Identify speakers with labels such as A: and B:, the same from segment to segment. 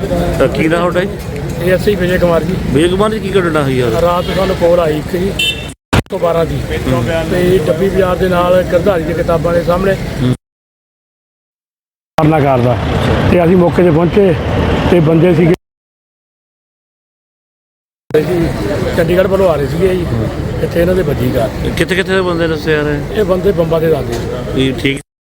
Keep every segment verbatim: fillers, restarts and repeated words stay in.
A: ਤਾਂ ਕੀ ਨਾ ਤੁਹਾਡਾ ਜੀ?
B: ਇਹ ਅਸੀਂ ਵਿਜੇ ਕੁਮਾਰ ਜੀ।
A: ਵਿਜੇ ਕੁਮਾਰ ਜੀ, ਕੀ ਘਟਨਾ ਹੋਈ ਯਾਰ?
B: ਰਾਤ ਨੂੰ ਸਾਨੂੰ ਕੋਲ ਆਈ ਇੱਕ ਜੀ ਇੱਕ ਸੌ ਬਾਰਾਂ ਦੀ, ਤੇ ਡੱਬੀ ਬਾਜ਼ਾਰ ਦੇ ਨਾਲ ਗਿਰਧਾਰੀ ਦੀਆਂ ਕਿਤਾਬਾਂ ਦੇ ਸਾਹਮਣੇ ਕਰਨਾ ਕਰਦਾ, ਤੇ ਅਸੀਂ ਮੌਕੇ 'ਤੇ ਪਹੁੰਚੇ ਤੇ ਬੰਦੇ ਸੀਗੇ ਜੀ ਚੰਡੀਗੜ੍ਹ ਵੱਲੋਂ ਆ ਰਹੇ ਸੀਗੇ ਜੀ। ਇੱਥੇ ਇਹਨਾਂ ਦੇ ਵੱਜੀ ਕਾਰ।
A: ਕਿੱਥੇ ਕਿੱਥੇ ਦੇ ਬੰਦੇ ਦੱਸੇ ਯਾਰ?
B: ਇਹ ਬੰਦੇ ਬੰਬਾਂ ਦੇ ਦੱਸਦੇ
A: ਇਹ ਠੀਕ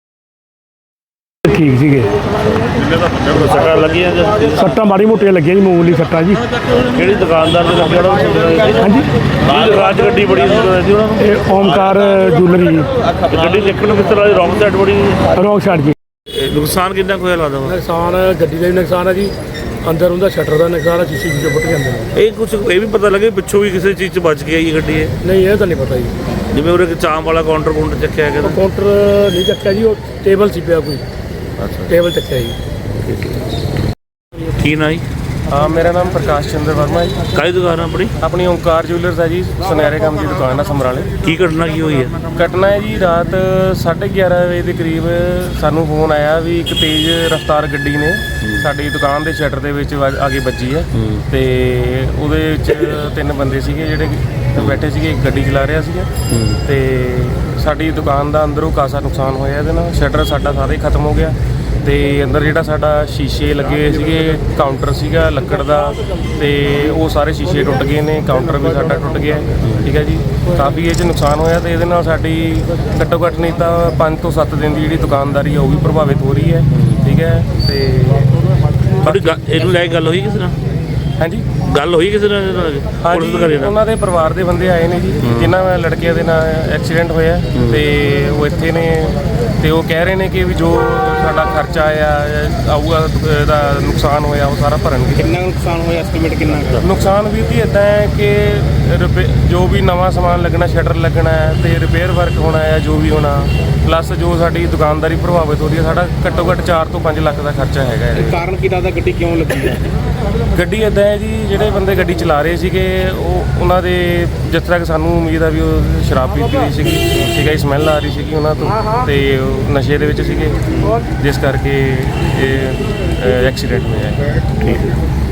B: ਠੀਕ ਸੀਗੇ।
A: ਸੱਟਾਂ ਲੱਗੀਆਂ ਜਾਂ
B: ਸੱਟਾਂ ਮਾੜੀ ਮੋਟੀਆਂ ਲੱਗੀਆਂ ਜੀ, ਮਾਮੂਲੀ ਸੱਟਾਂ ਜੀ।
A: ਕਿਹੜੀ ਦੁਕਾਨਦਾਰ ਦੇ ਲੱਗਿਆ ਉਹਨਾਂ
B: ਹਾਂਜੀ,
A: ਰਾਜ ਗੱਡੀ ਬੜੀ ਸੀ ਉਹਨਾਂ ਨੂੰ?
B: ਇਹ ਓਮਕਾਰ ਜੂਲਰੀ ਜੀ।
A: ਗੱਡੀ ਦੇਖਣ ਨੂੰ ਕਿਸ ਤਰ੍ਹਾਂ ਦੀ? ਰੌਂਗ ਸਾਈਡ ਬੜੀ
B: ਰੌਂਗ ਸਾਈਡ ਜੀ।
A: ਨੁਕਸਾਨ ਕਿੰਨਾ ਕੁ ਹੋਇਆ ਲੱਗਦਾ?
B: ਨੁਕਸਾਨ ਗੱਡੀ ਦਾ ਵੀ ਨੁਕਸਾਨ ਹੈ ਜੀ, ਅੰਦਰ ਉਹਦਾ ਸ਼ਟਰ ਦਾ ਨੁਕਸਾਨ ਹੈ, ਸ਼ੀਸ਼ੇ ਸ਼ੀਸ਼ੇ ਫੁੱਟ ਜਾਂਦੇ ਨੇ।
A: ਇਹ ਕੁਝ ਇਹ ਵੀ ਪਤਾ ਲੱਗੇ ਪਿੱਛੋਂ ਵੀ ਕਿਸੇ ਚੀਜ਼ 'ਚ ਬਚ ਕੇ ਆਈ ਗੱਡੀ ਇਹ?
B: ਨਹੀਂ, ਇਹ ਤਾਂ ਨਹੀਂ ਪਤਾ ਜੀ।
A: ਜਿਵੇਂ ਉਹਦੇ ਚਾਂਪ ਵਾਲਾ ਕਾਊਂਟਰ ਕਾਊਂਟਰ ਚੱਕਿਆ ਗਿਆ?
B: ਕਾਊਂਟਰ ਨਹੀਂ ਚੱਕਿਆ ਜੀ, ਉਹ ਟੇਬਲ ਸੀ ਪਿਆ ਕੋਈ।
A: ਅੱਛਾ,
B: ਟੇਬਲ ਚੱਕਿਆ ਜੀ।
A: ਕੀ ਨਾ ਜੀ?
C: हाँ, मेरा नाम प्रकाश चंद्र वर्मा है।
A: ਕਾਹਦੀ ਦੁਕਾਨ ਆ ਆਪਣੀ?
C: अपनी ओंकार ज्वेलर्स है जी, सुनहरे काम की दुकान है समराले।
A: ਕੀ ਘਟਨਾ ਕੀ ਹੋਈ ਹੈ?
C: घटना है जी, रात साढ़े ग्यारह बजे के करीब सानू फोन आया भी एक तेज़ रफ्तार गड्डी ने साडी दुकान के शटर के विच आ के ਵੱਜੀ है, ਤੇ ਉਹਦੇ ਵਿੱਚ ਤਿੰਨ ਬੰਦੇ ਸੀਗੇ ਜਿਹੜੇ ਬੈਠੇ ਸੀਗੇ, ਇੱਕ ਗੱਡੀ ਚਲਾ ਰਿਹਾ ਸੀਗਾ, ਤੇ ਸਾਡੀ ਦੁਕਾਨ ਦਾ ਅੰਦਰੋਂ ਕਾਸਾ ਨੁਕਸਾਨ ਹੋਇਆ ਇਹਦੇ ਨਾਲ। ਸ਼ਟਰ ਸਾਡਾ ਸਾਰਾ ਹੀ ਖਤਮ ਹੋ ਗਿਆ, ਤੇ ਅੰਦਰ ਜਿਹੜਾ ਸਾਡਾ ਸ਼ੀਸ਼ੇ ਲੱਗੇ ਹੋਏ ਸੀਗੇ, ਕਾਊਂਟਰ ਸੀਗਾ ਲੱਕੜ ਦਾ, ਤੇ ਉਹ ਸਾਰੇ ਸ਼ੀਸ਼ੇ ਟੁੱਟ ਗਏ ਨੇ, ਕਾਊਂਟਰ ਵੀ ਸਾਡਾ ਟੁੱਟ ਗਿਆ। ਠੀਕ ਹੈ ਜੀ, ਕਾਫੀ ਇਹ 'ਚ ਨੁਕਸਾਨ ਹੋਇਆ, ਤੇ ਇਹਦੇ ਨਾਲ ਸਾਡੀ ਘੱਟੋ ਘੱਟ ਨਹੀਂ ਤਾਂ ਪੰਜ ਤੋਂ ਸੱਤ ਦਿਨ ਦੀ ਜਿਹੜੀ ਦੁਕਾਨਦਾਰੀ ਆ ਉਹ ਵੀ ਪ੍ਰਭਾਵਿਤ ਹੋ ਰਹੀ ਹੈ। ਠੀਕ ਹੈ, ਤੇ
A: ਤੁਹਾਡੀ ਇਹਨੂੰ ਲੈ ਕੇ ਗੱਲ ਹੋਈ ਕਿਸੇ ਨਾਲ?
C: ਹਾਂਜੀ,
A: ਗੱਲ ਹੋਈ ਕਿਸੇ ਨਾਲ?
C: ਹਾਂਜੀ, ਉਹਨਾਂ ਦੇ ਪਰਿਵਾਰ ਦੇ ਬੰਦੇ ਆਏ ਨੇ ਜੀ, ਜਿਨ੍ਹਾਂ ਲੜਕਿਆਂ ਦੇ ਨਾਲ ਐਕਸੀਡੈਂਟ ਹੋਇਆ, ਤੇ ਉਹ ਇੱਥੇ ਨੇ, ਤੇ ਉਹ ਕਹਿ ਰਹੇ ਨੇ ਕਿ ਵੀ ਜੋ ਸਾਡਾ ਖਰਚਾ ਆਇਆ ਆਊਗਾ, ਇਹਦਾ ਨੁਕਸਾਨ ਹੋਇਆ ਉਹ ਸਾਰਾ ਭਰਨਗੇ।
D: ਕਿੰਨਾ ਨੁਕਸਾਨ ਹੋਇਆ, ਐਸਟੀਮੇਟ ਕਿੰਨਾ?
C: ਨੁਕਸਾਨ ਵੀ ਜੀ ਇੱਦਾਂ ਹੈ ਕਿ ਰਿਪੇ ਜੋ ਵੀ ਨਵਾਂ ਸਮਾਨ ਲੱਗਣਾ, ਸ਼ਟਰ ਲੱਗਣਾ ਹੈ, ਤੇ ਰਿਪੇਅਰ ਵਰਕ ਹੋਣਾ ਹੈ, ਜੋ ਵੀ ਹੋਣਾ, ਪਲੱਸ ਜੋ ਸਾਡੀ ਦੁਕਾਨਦਾਰੀ ਪ੍ਰਭਾਵਿਤ ਹੋ ਰਹੀ ਹੈ, ਸਾਡਾ ਘੱਟੋ ਘੱਟ ਚਾਰ ਤੋਂ ਪੰਜ ਲੱਖ ਦਾ ਖਰਚਾ ਹੈਗਾ ਇਹਦੇ।
D: ਕਾਰਨ ਕੀ ਲੱਗਦਾ ਗੱਡੀ ਕਿਉਂ ਲੱਗੀ ਹੈ?
C: ਗੱਡੀ ਇੱਦਾਂ ਹੈ ਜੀ, ਜਿਹੜੇ ਬੰਦੇ ਗੱਡੀ ਚਲਾ ਰਹੇ ਸੀਗੇ ਉਹ ਉਹਨਾਂ ਦੇ ਜਿਸ ਤਰ੍ਹਾਂ ਕਿ ਸਾਨੂੰ ਉਮੀਦ ਆ ਵੀ ਉਹ ਸ਼ਰਾਬ ਪੀਤੀ ਹੋਈ ਸੀਗੀ, ਠੀਕ ਹੈ, ਸਮੈਲ ਆ ਰਹੀ ਸੀਗੀ ਉਹਨਾਂ ਤੋਂ, ਤੇ ਉਹ ਨਸ਼ੇ ਦੇ ਵਿੱਚ ਸੀਗੇ, ਜਿਸ ਕਰਕੇ ਇਹ ਐਕਸੀਡੈਂਟ ਹੋਇਆ ਹੈ।
A: ਠੀਕ ਹੈ।